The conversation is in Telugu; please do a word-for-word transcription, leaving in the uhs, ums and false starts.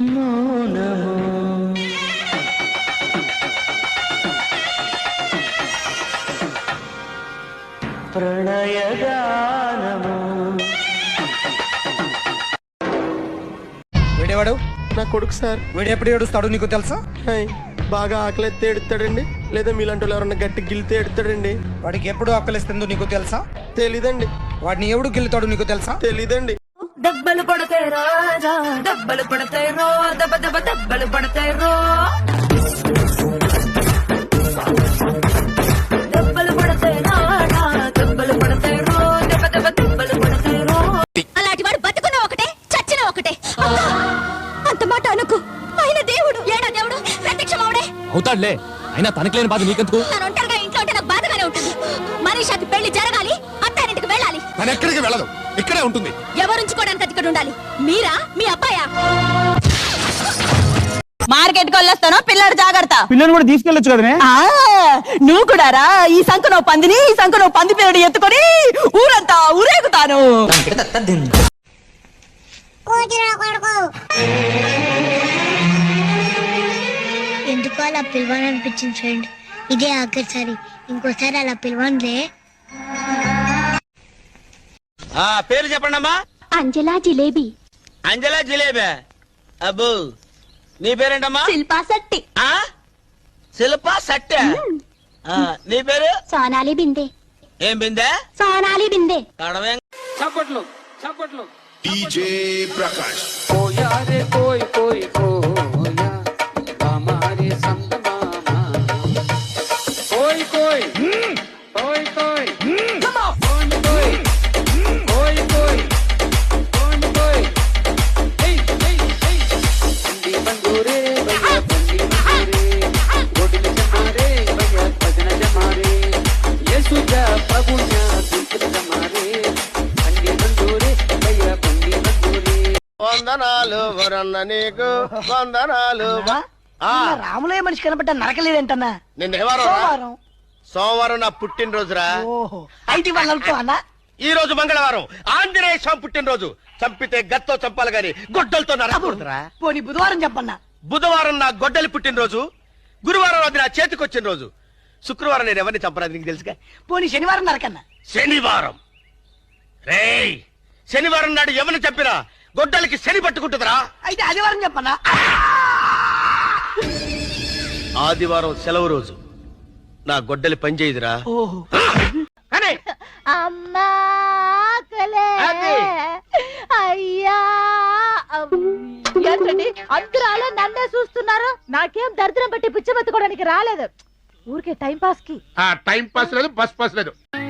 మౌనము ప్రణయగానము. వీడేవాడు? నా కొడుకు సార్. వీడు ఎప్పుడు ఏడుస్తాడు నీకు తెలుసా? బాగా ఆకలిస్తే ఎడుతాడండి, లేదా మీలాంటి వాళ్ళు ఎవరన్నా గట్టి గిల్లితే ఎడుతాడండి. వాడికి ఎప్పుడు ఆకలిస్తుందో నీకు తెలుసా? తెలీదండి. వాడిని ఎవడు గిల్లుతాడు నీకు తెలుసా? తెలీదండి. దెబ్బలు పడతాయి రాజా, దెబ్బలు పడతాయి రో, దెబ్బ దెబ్బ దెబ్బలు పడతాయి రో, దెబ్బలు పడతాయి రాజా, దెబ్బలు పడతాయి రో, దెబ్బ దెబ్బ దెబ్బలు పడతాయి రో. అలాంటి వాడు బతుకున్న ఒకటే చచ్చిన ఒకటే. అంత మాట అనుకు. ఆయన దేవుడు, ఏడా దేవుడు ప్రత్యక్షమవుడే అవుతాడులే. అయినా తనకి లేని బాధ నీకెందుకు? తను ఒంటరిగా ఇంట్లో ఉంటే నాకు బాధగానే ఉంటుంది. మనిషికి పెళ్లి జరగాలి, అత్తారింటికి వెళ్ళాలి. తను ఎక్కడికి వెళ్ళదు, ఇక్కడే ఉంటుంది. ఎవరుంచుకోవడానికి ఇక్కడ ఉండాలి? మీరా, మీ అబ్బాయా? మార్కెట్ కి వెళ్ళొస్తాను, పిల్లడు జాగ్రత్త. పిల్లని కూడా తీసుకెళ్ళొచ్చు కదనే. నువ్వు కూడా రా. ఈ సంఖ నువ్వు పందిని, ఈ సంఖ నువ్వు పంది పిల్లడు ఎత్తుకొని ఊరంతా ఊరేగుతాను. ఎందుకు అలా పిలవాలనిపించింది ఫ్రెండ్. ఇదే ఆఖరిసారి, ఇంకోసారి అలా పిలవనులే. పేరు చెప్పండి అమ్మా. అంజలా జిలేబీ. అంజలా జిలేబీ. అబ్బో, నీ పేరేంటమ్మా? శిల్పా శెట్టి. శిల్పా శెట్టి. నీ పేరు? సోనాలి బిందే. ఏం బిందే? సోనాలి బిందే. కడవేం. చప్పట్లు చప్పట్లు. డీజే ప్రకాష్. కోయారే కోయ్ కోయ్ కోయా హమారే సందమామా కోయ్ కోయ్ కోయ్ కోయ్ కోన్ కోయ్ కోయ్ కోయ్ కోన్ కోయ్ హే హే హే బండి బందూరే భయ్యా బండి బందూరే గోడిల జమారే భయ్యా భజన జమారే యేసుజా ప్రభున్యా దిల్ జమారే బండి బందూరే భయ్యా బండి బందూరే. వందనాలు వరన్న నీకు వందనాలు. రాములే మనిషి కనబడ్డా నరకలేదంటన్నా. నిన్న సోమవారం సోమవారం నా పుట్టినరోజురా. అయితే వాళ్ళతో అన్నా ఈ రోజు మంగళవారం ఆంజనేయ స్వామి పుట్టినరోజు. చంపితే గత్తో చంపాలి గాని గొడ్డలతో నరకూడదురా. పోనీ బుధవారం చెప్పన్నా. బుధవారం నా గొడ్డలి పుట్టినరోజు. గురువారం అది నా చేతికి వచ్చిన రోజు. శుక్రవారం నేను ఎవరిని చంపరాదు నీకు తెలుసుగా. పోనీ శనివారం నరకన్నా. శనివారం రేయ్ శనివారం నాడు ఎవరిని చంపినా గొడ్డలికి శని పట్టుకుంటుందిరా. అయితే ఆదివారం చెప్పన్నా. ఆదివారం సెలవు రోజు. నా గొడ్డలి పనిచేయదురా. అమ్మా అయ్యా ఏంటండి అందరూ నన్నే చూస్తున్నారు? నాకేం దరిద్రం పట్టి పిచ్చి బతుకోవడానికి రాలేదు, ఊరికే టైం పాస్ కి. టైం పాస్ లేదు, బస్ పాస్ లేదు.